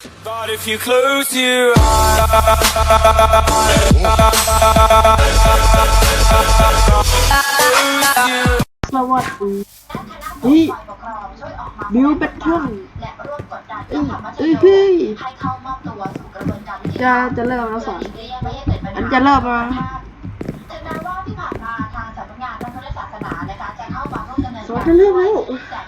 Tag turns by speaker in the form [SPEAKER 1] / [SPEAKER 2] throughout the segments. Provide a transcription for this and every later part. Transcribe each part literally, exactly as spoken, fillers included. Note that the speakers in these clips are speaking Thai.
[SPEAKER 1] But if you close your eyes
[SPEAKER 2] สวัสดีนี่บิวแบทเทิลเอ้ยเอ้ยพี่จะจะเริ่มแล้วสอนอันจะเริ่มแล้วสอนจะเริ่มแล้ว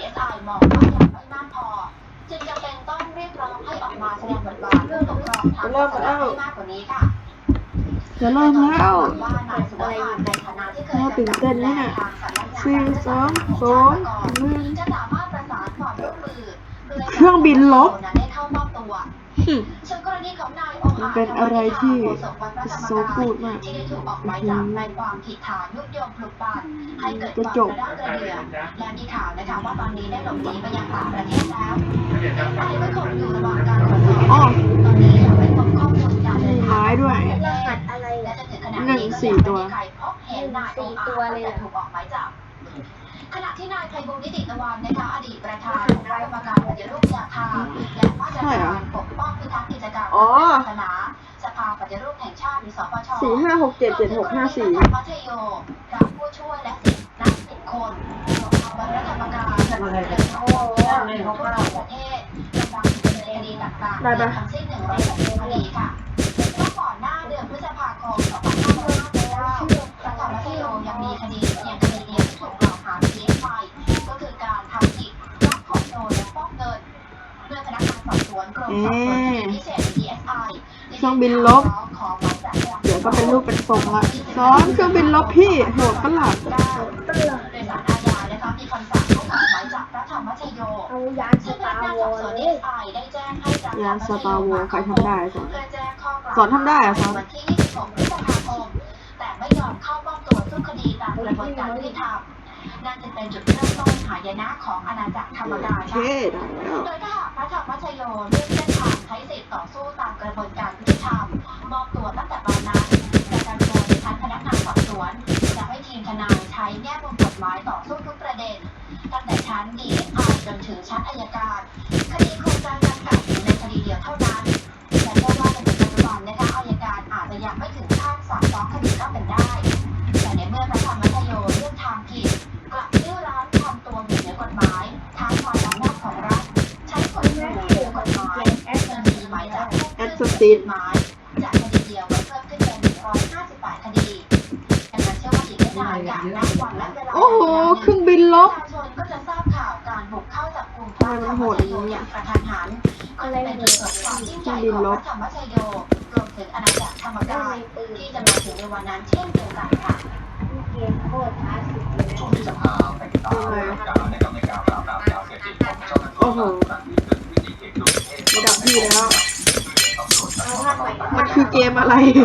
[SPEAKER 3] จึงจำเป็นต้องเรียกร้องให้ออกมาแสดงบทบาทเพื่อปกครองทางศาสนาให้มากกว่านี้ค่ะ
[SPEAKER 2] จะเริ่มแล้ว
[SPEAKER 3] ว่านายสุวรรณในฐานะที่เคย
[SPEAKER 2] ตื่นเต้นเลยเนี่ยสี่สองสองหนึ่ง
[SPEAKER 3] จะสามารถประสานความร่วมมือ
[SPEAKER 2] เครื่องบินลบ
[SPEAKER 3] ได้เข้ามอบตัวส่วนกรณีของนายองค์อาจ
[SPEAKER 2] เป็นอะไรที่โซกูดมาก
[SPEAKER 3] ที่ได้ถูกออกหมายจับในความผิดฐานยุยงปลุกปั่นให้เกิดความกระด้างกระเดื่องและมีข่าวนะคะว่าตอนนี้ได้หลบหนีไปยังต่างประเทศแล้วนายก็คงอยู่ระหว่างการตรวจสอบตอนนี้ยังไม่พบข้อมูลการเดินทาง
[SPEAKER 2] ด้วย
[SPEAKER 3] รหัสอะไรและจนถึงขณะนี้ก็ยังไม่มีใครพบเห็นนายองค์อาจจะถูกออกหมายจับขณะที่นายไพบูลย์นิติตะวันนะคะอดีตประธานคณะกรรมการปฏิรูปยาธาและมาตรการปกป้องพิทักษ์กิจการศาสนาสภาปฏิรูปแห่งชาติหรือสปช.
[SPEAKER 2] สี่ห้าหกเจ็ดเจ็ดหกห้าสี่
[SPEAKER 3] มัธยมรับผู้ช่วยและสิบนักสิบคนของคณะกรรมการสนับสนุนในทั่วประเทศกำลังดำเนินคดีต่างๆทั้งสิ้นหนึ่งร้อยหกสิบคดีค่ะเมื่อก่อนหน้าเดือนพฤษภาคมสองพันห้าร้อยห้าสิบเก้าพระธรรมชโยยังมีคดีเพียงคดีเดียวที่ถูกกล่าวหาเพียงไปก็คือการทำผิดรับของโจรและฟอกเงินเมื่อพนักงานสอบสวนกรมสอบสวนคดีพิเศษ ดี เอส ไอ
[SPEAKER 2] เครื่องบินลบเดี๋ยวก็เป็นรูปเป็นทรงละซ้อนเครื่องบินลบพี่โหดประหลาด
[SPEAKER 3] โดยสารอาญานะคะมีคำสั่งให้ออกหมายจับพระธรรมชโย
[SPEAKER 4] เอายานส
[SPEAKER 3] ซึ่งพ
[SPEAKER 4] ตา
[SPEAKER 3] นัก
[SPEAKER 4] ร์
[SPEAKER 3] งาน
[SPEAKER 4] ว
[SPEAKER 3] สอบสวน
[SPEAKER 4] อร์เล
[SPEAKER 3] ดี
[SPEAKER 4] ย
[SPEAKER 3] เอส ไอ ได้แจ้งให้พระธรรมชโย
[SPEAKER 2] ยานสตาร์วอร์ใครทำได้สอน
[SPEAKER 3] เพื่อแจ้งข้อกล่าว
[SPEAKER 2] สอนทำได้อะสอน
[SPEAKER 3] วันที่ยี่สิบหกพฤษภาคมแต่ไม่ยอมเข้ามอบตัวสู้คดีตามกระบวนการยุติธรรมนั่นจะเป็นจุดเริ่มต้นหายนะของอาณาจักรธรรมกายค่ะโดยถ้าหากพระธรรมชโยเลือกเส้นทางใช้สิทธิ์ต่อสู้ตามกระบวนการยุติธรรมมอบตัวตั้งแต่ตอนนั้นประกันตัวในชั้นพนักงานสอบสวนจะให้ทีมทนายใช้แง่มุมกฎหมายต่อสู้ทุกประเด็นตั้งแต่ชั้น ดี เอส ไอ จนถึงชั้นอัยการคดีโครงการจำกัดอยู่ในคดีเดียวเท่านั้นและเชื่อว่าในปัจจุบันนะคะอัยการอาจจะยังไม่ถึงขั้นสั่งฟ้องคดีก็เป็นได้แต่ในเมื่อพระธรรมชโยเลือกทางผิดกลับดื้อรั้นทำตัวอยู่เหนือกฎหมายท้าทายอำนาจของรัฐใช้กฎหมายเหนือกฎหมายจนมีหมายจับเพิ่มขึ้นเป็นหมายจากคดีเดียวก็เพิ่มขึ้นเป็นหนึ่งร้อยห้าสิบแปดคดีดังนั้นเชื่อว่าอีกไม่นานจากนับวันและเวลา
[SPEAKER 2] โอ้โหเครื่องบินลบ
[SPEAKER 3] ประชาชนก็จะทราบข่าวการบุกเข้าจับกุมพระธรรมชโยอย่างกระทันหันก็เลยเป็นจุดเกิดความยิ่งใหญ่ของพระธรรมชโยรวมถึงอาณาจักรธรรมกายที่จะมาถึงในวันนั้นเช่นเดียวกันค่ะ
[SPEAKER 4] เกมโคตรคลาสสิกเลย
[SPEAKER 5] ช่วงที่สภาไปติดตามการนะครับในการปราบปรามยาเสพติดของเจ้าหน้าที่
[SPEAKER 2] โอ้โห
[SPEAKER 5] ครั้งนี้เป็นวิธีเก็บลูกเทพ
[SPEAKER 2] ระดับพี่แล้ว
[SPEAKER 4] เอาภาคใหม่
[SPEAKER 2] มันคือเกมอะไร
[SPEAKER 4] เอา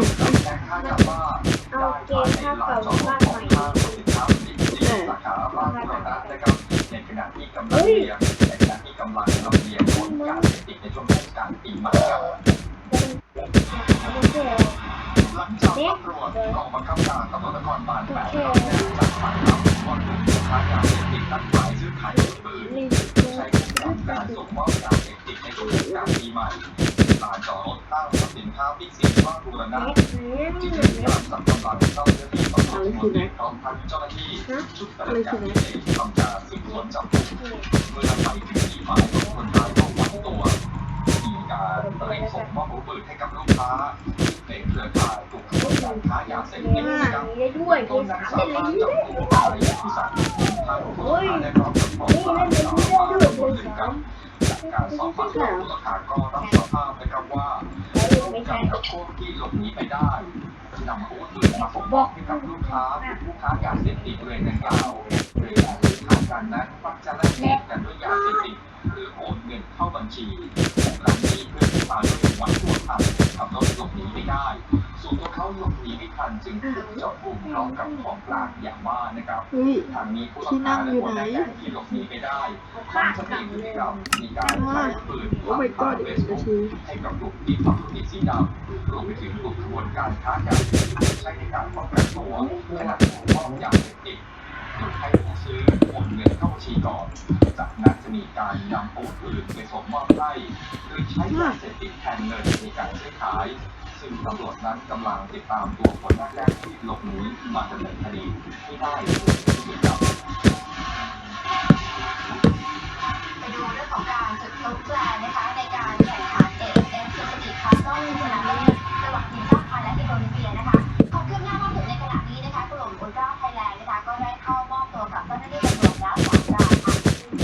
[SPEAKER 4] เกมภาคเก่าภาคใหม่
[SPEAKER 5] สาขาบ้านโรนัสนะครับในขณะที่กำลังเรียนในขณะที่กำลังลำเลียงคนยาเสพติดในช่วงเทศกาลปีใหม่ครับหลังจากตำรวจกองบังคับการตำรวจนครบาลแปดรับแจ้งจากฝ่ายข่าวว่าถูกค้ายาเสพติดนัดหมายซื้อขายอาวุธปืนใช้กับการส่งมอบยาเสพติดในช่วงเทศกาลปีใหม่ลานจอดรถตั้งสินค้าบิ๊กซีบ้านบูรณะที่มีการสั่งกำลังเจ้าหน้าที่ตำรวจพร้อมทั้งเจ้าหน้าที่ชุดปฏิบัติการพิเศษทำการสืบสวนจับกุมเมื่อไปถึงที่หมายของคนร้ายก็วัดตัวมีการเตรียมส่งมอบอาวุธปืนให้กับลูกค้าในเครือข่ายกลุ่มขบวนการค้ายาเสพติดนะครับต้นนางสามารถจับกลุ่มนายพิสันทางผู้ต้องหาได้พร้อมกับของกลางสารพัดคนหนึ่งครับจากการสอบปากคำผู้ต้องหาก็รับสารภาพนะครับว่าการกับพวกที่หลบหนีไปได้นำอาวุธปืนมาส่งมอบให้กับลูกค้าผู้ค้ายาเสพติดบริเวณดังกล่าวโดยการซื้อขายกันนั้นมักจะแลกเปลี่ยนกันด้วยยาเสพติดหรือโอนเงินเข้าบัญชีของร้านนี้เพื่อที่มาด้วยวัตถุทันขับรถหลบหนีไม่ได้ส่วนตัวเขาหลบหนีไม่ทันจึงถูกจับกุมพร้อมกับของกลางอย่างว่านะครับทางนี้ผู้ต้องหาและคนแรกที่หลบหนีไปได้ทำสติพฤติกรรมมีการขายปืนผ่านทางเฟซบุ๊กให้กับกลุ่มที่ทำธุรกิจสีดำรวมไปถึงกลุ่มขบวนการค้ายาเสพติดใช้ในการป้องกันตัวขณะส่งมอบยาเสพติดโดโดยให้ผู้ซื้อโอนเงินเข้าบัญชีก่อนจากนั้นจะมีการนำอาวุธปืนไปส่งมอบให้โดยใช้ยาเสพติดแทนเงินในการซื้อขายซึ่งตำรวจนั้นกำลังติดตามตัวคนแรกที่หลบหนีมาดำเนินคดีให้ได้โดยเร็วครับ
[SPEAKER 3] ไปดูเรื่องของการจุดพลุแฟร์นะคะในการแข่งขัน เอ เอฟ เอฟ Suzuki Cup รอบชิงชนะเลิศระหว่างทีมชาติไทยและอินโดนีเซียนะคะความคืบหน้าล่าสุดในขณะนี้นะคะกลุ่มอุลตร้าไทยแลนด์นะคะก็ได้เข้ามอบตัวกับเจ้าหน้าที่ตำรวจแล้วสามรายค่ะ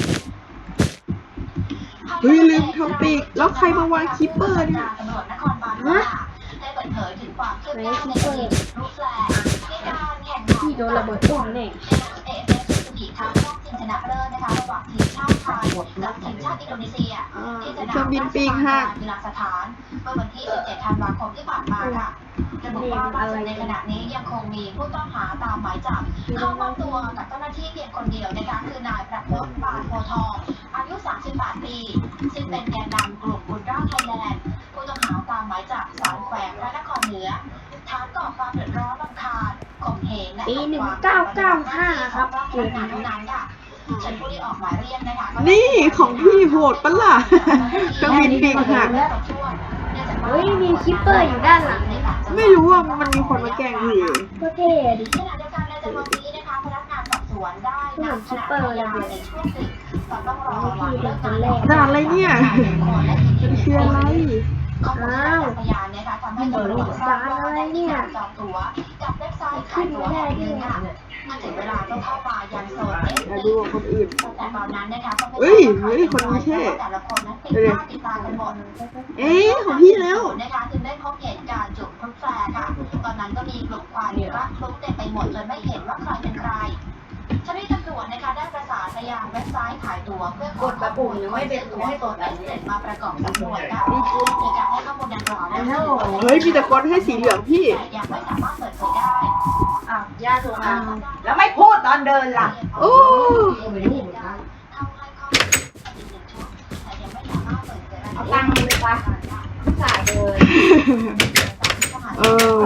[SPEAKER 2] เฮ้ยลืมทำปีกแล้วใครมาวางคิปเปอร์เนี่ย
[SPEAKER 3] ตำรวจนครบาลว่าได้เปิดเผยถึงความคืบหน้าในคดีลูกแฟร์ในการแข่งขัน
[SPEAKER 4] ที่โดนระเบิดตุ้มเนี่ย
[SPEAKER 3] เอ เอฟ เอฟ Suzuki Cup รอบชิงชนะเลิศนะคะระหว่างทีมชาติไทยกับทีมชาติอินโดนีเซียที่สนาม
[SPEAKER 2] เครื่องบินปีกหัก
[SPEAKER 3] กีฬาสถานเมื่อวันที่ สิบเจ็ด ธันวาคมที่ผ่านมาค่ะระบุว่าล่าสุดในขณะนี้ยังคงมีผู้ต้องหาตามหมายจับเข้ามอบตัวกับเจ้าหน้าที่เพียงคนเดียวนะคะคือนายประพจน์ปานโพทองอายุ สามสิบแปด ปีซึ่งเป็นแกนนำกลุ่มอุลตร้าไทยแลนด์ผู้ต้องหาตามหมายจับศาลแขวงพระนครเหนือฐานก่อความเดือดร้อนรำคาญข่มเหงและ
[SPEAKER 4] ปีหนึ่งเก้าเก้าห้าครับเก
[SPEAKER 3] เกิด
[SPEAKER 4] ม
[SPEAKER 3] การ
[SPEAKER 4] นี้
[SPEAKER 3] เท่านั้นค่ะฉันผู้ที่ออกหมายเรียกนะคะ
[SPEAKER 2] นี่ของพี่โหดปะล่ะเครื่องบินปีกหัก
[SPEAKER 4] เฮ้ยมีคิปเปอร์อยู่ด้านหลัง
[SPEAKER 2] ไม่รู้ว่ามันมีคนมาแกล้งพี่
[SPEAKER 4] ก็เท่ดิ
[SPEAKER 3] ขณะเดียวกันในจำนวนนี้นะคะพนักงานสอบสวนได้นำคณะพยานในช่วงดึกตอนต้องรอวันเลิกงาน
[SPEAKER 2] ด่านอะไรเนี่ยมันคืออะไร
[SPEAKER 3] ข้อมูลจากพยานนะคะทำให้ตำรวจทราบว่าได้มีการจองตั๋วกับเว็บไซต์ขายตั๋วแห่งหนึ่งค่ะเมื่อถึงเวลาก็เข้ามายังโซน เอส
[SPEAKER 2] มา
[SPEAKER 3] ซี
[SPEAKER 2] ดูของคนอื่น
[SPEAKER 3] แต่ตอนนั้นนะคะก็ไม่
[SPEAKER 2] เฮ้ยเฮ้ยคนนี้เท่
[SPEAKER 3] แต่ละคนนั้นติดหน้าติดตากันหมด
[SPEAKER 2] เอ๊ะของพี่แล้ว
[SPEAKER 3] นะคะจึงได้พบเห็นการจุดพลุแฟร์ค่ะ ตอนนั้นก็มีกลุ่มควันรักพลุเต็มไปหมดจนไม่เห็นว่าใครเป็นใครเจ้าหน้าที่ตำรวจนะคะได้ประสานไปยังเว็บไซต์ขายตั๋วเพื่อขอข้อมูลไม่เป็นตั๋วให้ตัวเอสเมาประกอบสำนวนค่ะในการให้ข้อมูลดังกล่าวนะคะ
[SPEAKER 2] เฮ้ยมีแต่คนให้สีเหลืองพี่
[SPEAKER 3] แต่ยังไม่สามารถเปิดเผยได้
[SPEAKER 6] อ้าวย่าโทรมาแล้วไม่พูดตอนเดินล่ะ
[SPEAKER 2] โอ้
[SPEAKER 3] เข้าให้ข้อมูลอีกหนึ่งชุดแต่ยังไม่สามารถเปิดเผยราย
[SPEAKER 6] เอา
[SPEAKER 3] ละเอียด
[SPEAKER 6] ตังค์ไปปะสายเดิน
[SPEAKER 2] เออ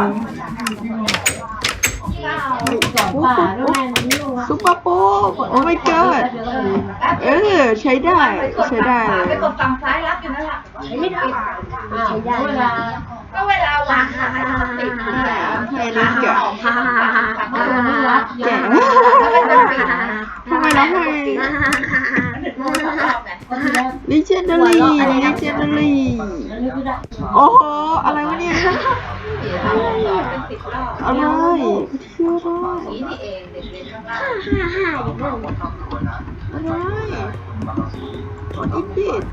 [SPEAKER 2] ซุปเปอร์โป๊ปโอ้ my god เออใช้ได้ใช้ได้เลย
[SPEAKER 6] ไปกดฝั่งซ้ายรับอยู่นั่นแหละไม่ได้
[SPEAKER 4] ใช้ได้
[SPEAKER 6] เวลาก็เวลาวางขาติดนี่แหละ
[SPEAKER 2] ให้ลิงก์อะ
[SPEAKER 4] ฮ่าฮ่าฮ่าฮ่าฮ่า
[SPEAKER 2] แกะทำไมเราให้ legendary legendary โอ้โหอะไรวะเนี่ยอะไรชื่ออะไร
[SPEAKER 6] นี่นี่เองเด็กเรียนข้างล่าง
[SPEAKER 4] ฮ่าฮ่าอยู่นั่น
[SPEAKER 2] อะไรอีปิด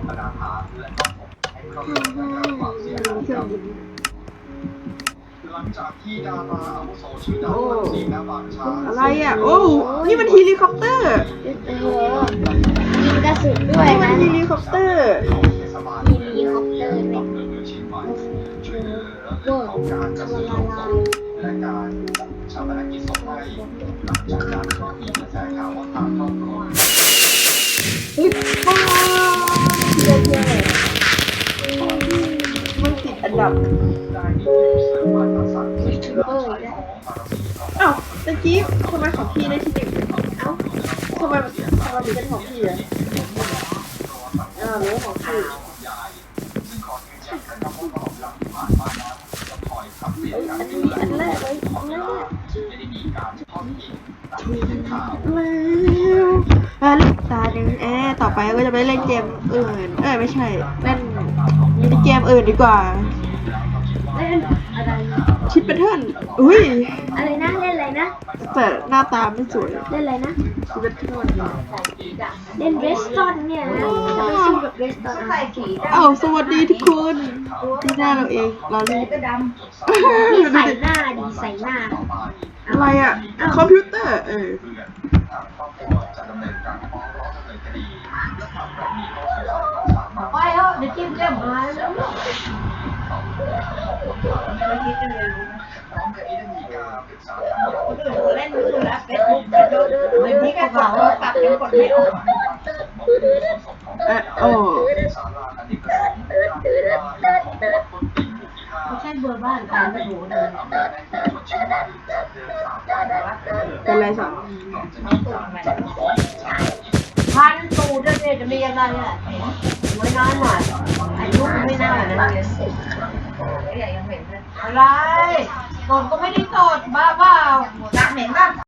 [SPEAKER 2] เครื่องบิน
[SPEAKER 5] หลังจากที่ดาราอาวุโสชื่อดังวันศรีและบางช้าง
[SPEAKER 2] อะไรอ่ะโอ้นี่มันเฮลิคอปเตอร์
[SPEAKER 4] โอ้โหยิงกระสุนด้วย
[SPEAKER 2] นี่มัน
[SPEAKER 4] นะ
[SPEAKER 2] เฮลิคอปเตอร์
[SPEAKER 5] เทศบาล
[SPEAKER 4] มีเฮลิคอปเตอร์เนี่ย
[SPEAKER 5] อำเภอเมืองเชียงใหม่ช่วยเหลือเรื่องของการจัดซื้อโรงศพและการชาปนกิจศพให้หลังจากนั้นก็มีกระแสข่าวว่าทางครอบครัว
[SPEAKER 2] มันติดอันดับ
[SPEAKER 5] ได้มีผู้เสริมมาตรฐานที่เป็นหลักใช้ของบารมีของ
[SPEAKER 2] อ้าวตะกี้ทำไมของพี่ได้ที่หนึ่งเอ้าทำไมทำไมถึงเป็นของพี่อ่ะอ้าวหรือว่าของพี่
[SPEAKER 5] ซึ่งขอยืนยันนะครับว่าตลอดเวลาที่ผ่านมานั้นจะคอยปรับเปลี่ยนการ
[SPEAKER 2] อัน
[SPEAKER 5] ดู
[SPEAKER 2] นี้
[SPEAKER 5] แล
[SPEAKER 2] อันแรกเลยอันแรก
[SPEAKER 5] ไม่ได้มีการทอดทิ้งตามที่เป็นข่าว
[SPEAKER 2] แล้วอ่ะเล่นตาหนึ่งเอ๊ะต่อไปก็จะไปเล่นเกมอื่น เอ้ยไม่ใช่ เล่นมินิเกมอื่นดีกว่า
[SPEAKER 4] เล่นอะไร
[SPEAKER 2] ชิปเปเทิลอุ้ย
[SPEAKER 4] อะไรนะเล่นอะไรนะ
[SPEAKER 2] แต่หน้าตาไม่สวย
[SPEAKER 4] เล่นอะไรนะ
[SPEAKER 2] ชิปเปเทิล
[SPEAKER 4] เล่นเรสตอนเนี่ยนะจะไม่สู้กับเรสตอน
[SPEAKER 6] ใส่สีด
[SPEAKER 2] อ้าวสวัสดีทุกคนที่หน้าเราเองเราเล่น
[SPEAKER 6] ำก็ด
[SPEAKER 4] นี่ใส่หน้าดีใส่หน้า
[SPEAKER 2] อะไรอ่ะ คอมพิวเตอร์ เออ
[SPEAKER 5] เพื่อนทางครอบครัวจะดำเนินการฟ้องร้องดำเนินคดีและทางกรณีข้อสงสัยก็สามารถ
[SPEAKER 6] ำไปแล้วเดี๋ยวจิ้มเจ้มมาแล้ว
[SPEAKER 5] พร้อมกันนี้ได้มีการปรึกษาทางครอบครัว
[SPEAKER 6] เล่นมือแล้วเฟซบุ๊กเดี๋ยวนี้ก็สาวปรับยังกดไม่ออก
[SPEAKER 2] เออโอ้
[SPEAKER 5] ศาลาอเนกประสงค์ของคนติ่งหมู่ที่ห้า
[SPEAKER 6] เบอร์บ้านการไปโหเดิน
[SPEAKER 2] เป็นไรสอง
[SPEAKER 6] พันตูดเนี่ยจะมีอะไรอ่ะไม่น้อยหน่อยอายุไม่น่านะอะไรตดก็ไม่ได้ตดบ้าเปล่า
[SPEAKER 3] เหม็นป่ะ